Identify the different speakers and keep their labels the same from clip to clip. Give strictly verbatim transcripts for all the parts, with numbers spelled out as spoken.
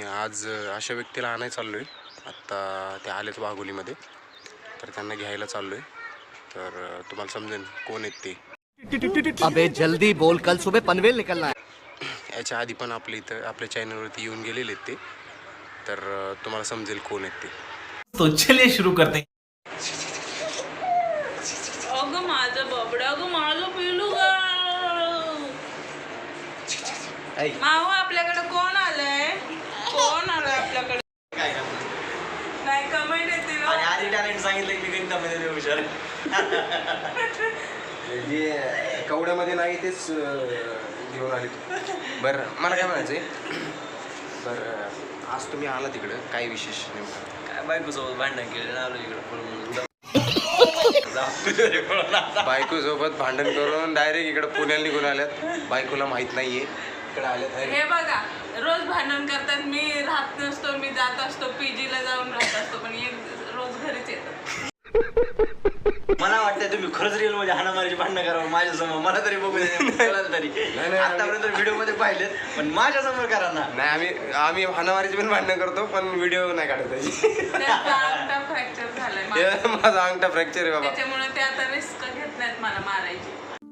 Speaker 1: आज अशा व्यक्तीला आणायला चाललो आहे. आत्ता ते आलेत वाघोलीमध्ये, तर त्यांना घ्यायला चाललो आहे. तर तुम्हाला समजेल कोण आहेत ते.
Speaker 2: अबे जल्दी बोल, कल सुबह पनवेल निकलना है.
Speaker 1: याच्या आधी पण आपल्या इथं आपल्या चॅनलवरती येऊन गेलेले आहेत ते, तर तुम्हाला समजेल कोण आहेत ते.
Speaker 3: तो चलिए शुरू करते हैं.
Speaker 4: अगं माझं बबडा, अगं माझं पिलू ग. माऊ आपल्याकडे कोण आलंय? कोण आलंय आपल्याकडे? नाही कमेंट येते ना.
Speaker 5: आधी टॅलेंट सांगितलं की मी गणितामध्ये हुशार.
Speaker 1: जे कवड्यामध्ये नाही तेच घेऊन आले. बरं मला काय म्हणायचं आहे, बरं आज तुम्ही आला तिकडं काय विशेष नेमकं?
Speaker 5: काय बायकोसोबत भांडण केलं आलो इकडं.
Speaker 1: बायको सोबत भांडण करून डायरेक्ट इकडे पुण्याला निघून आल्यात. बायकोला माहित नाहीये इकडे आल्यात.
Speaker 4: हे बघा रोज भांडण करतात. मी राहत नसतो, मी जात असतो पीजीला जाऊन राहत असतो, पण एक रोज घरीच येतात.
Speaker 5: मला वाटतं तुम्ही खरंच रिअल मध्ये हाणामारीची भांडणं करावं माझ्यासमोर. मला तरी बघू तरी आतापर्यंत व्हिडिओ मध्ये पाहिलेत, पण माझ्या समोर करा ना.
Speaker 1: नाही आम्ही आम्ही हाणामारीची पण भांडणं करतो, पण व्हिडिओ नाही काढत त्याची.
Speaker 4: अंगठा फ्रॅक्चर झालाय
Speaker 1: माझा अंगठा फ्रॅक्चर आहे बाबा,
Speaker 4: त्याच्यामुळे ते आता रिस्क घेत नाहीत मला मारायची.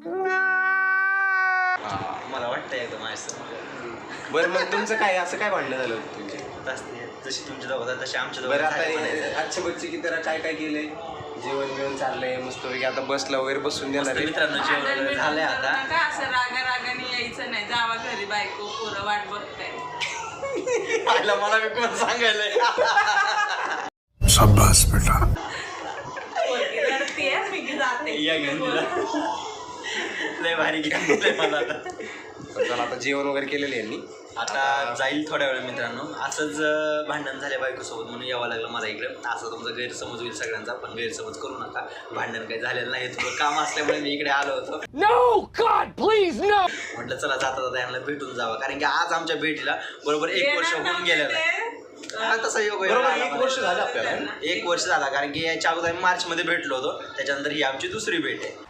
Speaker 5: मला वाटतं एकदम माझ्यासमोर.
Speaker 1: बरं मग तुमचं काय असं काय भांडणं झालं तुमचे?
Speaker 5: जशी तुमच्या दोघं तशी आमच्या
Speaker 1: बरं आता
Speaker 5: दोघं.
Speaker 1: आजच्या बच्चे की तर काय काय केलंय? जेवण जेवण चाललंय मस्त पैकी. आता बसला वगैरे बसून देणार आहे.
Speaker 5: मित्रांनो जेवण झालंय आता.
Speaker 4: काय असं रागा रागाने यायचं नाही. जावा घरी, बायको पोरं वाट बघताय.
Speaker 5: आयला मला मी कोण सांगायलंय.
Speaker 3: शाबाश बेटा.
Speaker 4: रडतीये, मी जाते.
Speaker 5: या घेऊन दिला. लय भारी घेऊन दिलंय मला आता.
Speaker 1: चला आता जेवण वगैरे केलेलं यांनी.
Speaker 5: आता जाईल थोड्या वेळ मित्रांनो. असंच भांडण झाले बायकोसोबत म्हणून यावं लागलं मला इकडं. असं तुमचा गैरसमज होईल सगळ्यांचा, पण गैरसमज करू नका. भांडण काही झालेलं नाही, थोडं काम असल्यामुळे मी इकडे आलो होतो.
Speaker 2: No god please no.
Speaker 5: म्हटलं चला जाता जाता यांना भेटून जावं, कारण की आज आमच्या भेटीला बरोबर एक वर्ष होऊन गेलेलं आहे. तसं योग
Speaker 1: बरोबर एक वर्ष झालं आपल्याला.
Speaker 5: एक वर्ष झाला, कारण की याच्या अगोदर आम्ही मार्च मध्ये भेटलो होतो. त्याच्यानंतर ही आमची दुसरी भेट आहे.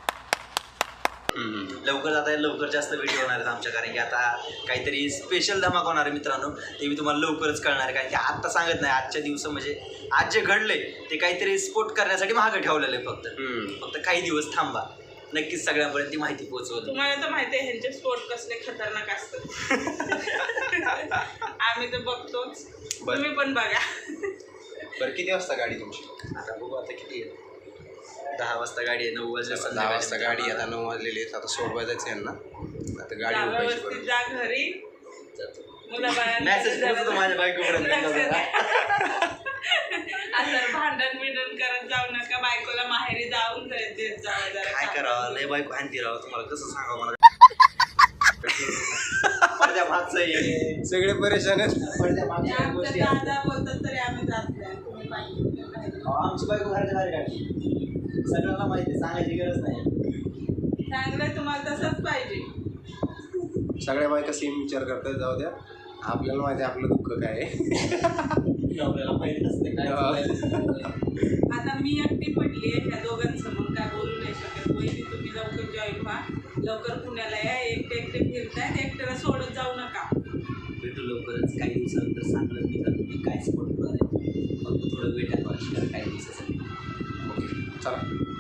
Speaker 5: लवकर जाता लवकर जास्त व्हिडिओ होणार आहेत आमच्या, कारण की आता काहीतरी स्पेशल धमाका होणार आहे मित्रांनो. ते मी तुम्हाला लवकरच कळणार आहे, कारण की आत्ता सांगत नाही. आजच्या दिवस म्हणजे आज जे घडले ते काहीतरी स्पोर्ट करण्यासाठी मागं ठेवलेलं आहे. फक्त फक्त काही दिवस थांबा, नक्कीच सगळ्यांपर्यंत ती माहिती पोहोचवली.
Speaker 4: तुम्हाला तर माहिती आहे ह्यांचे स्पोर्ट कसले खतरनाक असतात. आम्ही तर बघतोच, तुम्ही पण बघा.
Speaker 1: बरं किती वाजता गाडी तुमची?
Speaker 5: आता बघू आता किती आहे. दहा वाजता गाडी आहे. नऊ वाजले.
Speaker 1: दहा वाजता गाडी. आता नऊ वाजलेली आहेत. आता सोडवाय जायचं यांना. आता गाडी उभायची.
Speaker 4: जा घरी.
Speaker 5: मेसेज पोहोचतो माझ्या बायकोपर्यंत.
Speaker 4: असं भांडण बिंडण करत जाऊ नका. बायकोला माहेरी जाऊन देत जावं जरा.
Speaker 5: काय करावं, लय बायको हाणती राव. तुम्हाला कसं सांगावं मला. पडद्या मागचं आहे.
Speaker 1: सगळे परेशान आहेत.
Speaker 5: पडद्या मागच्या गोष्टी
Speaker 4: दादा बोलतात तरी आम्ही जात नाही. तुम्ही पाहिजे
Speaker 5: आमची बायको घराच्या बाहेर काढली. सगळ्यांना माहिती, सांगायची गरज नाही.
Speaker 4: चांगलं तुम्हाला तसंच पाहिजे.
Speaker 1: सगळ्या बायका सेम विचार करतात. जाऊ द्या, आपल्याला माहिती आहे आपलं दुःख काय आहे.
Speaker 5: आपल्याला माहिती असते काय.
Speaker 4: आता मी एकटी पडली आहे ह्या दोघांसमोर, काय बोलू नाही शकत. वहिनी तुम्ही लवकर जॉईन व्हा, लवकर पुण्याला या. एकटे एकटे फिरतायत, एकट्याला सोडत जाऊ नका.
Speaker 5: भेटू लवकरच. काही दिवसानंतर सांगलं मी तर मी काय सपोर्ट करणार आहे. फक्त थोडं वेट आहे काही दिवसासाठी.
Speaker 1: चला.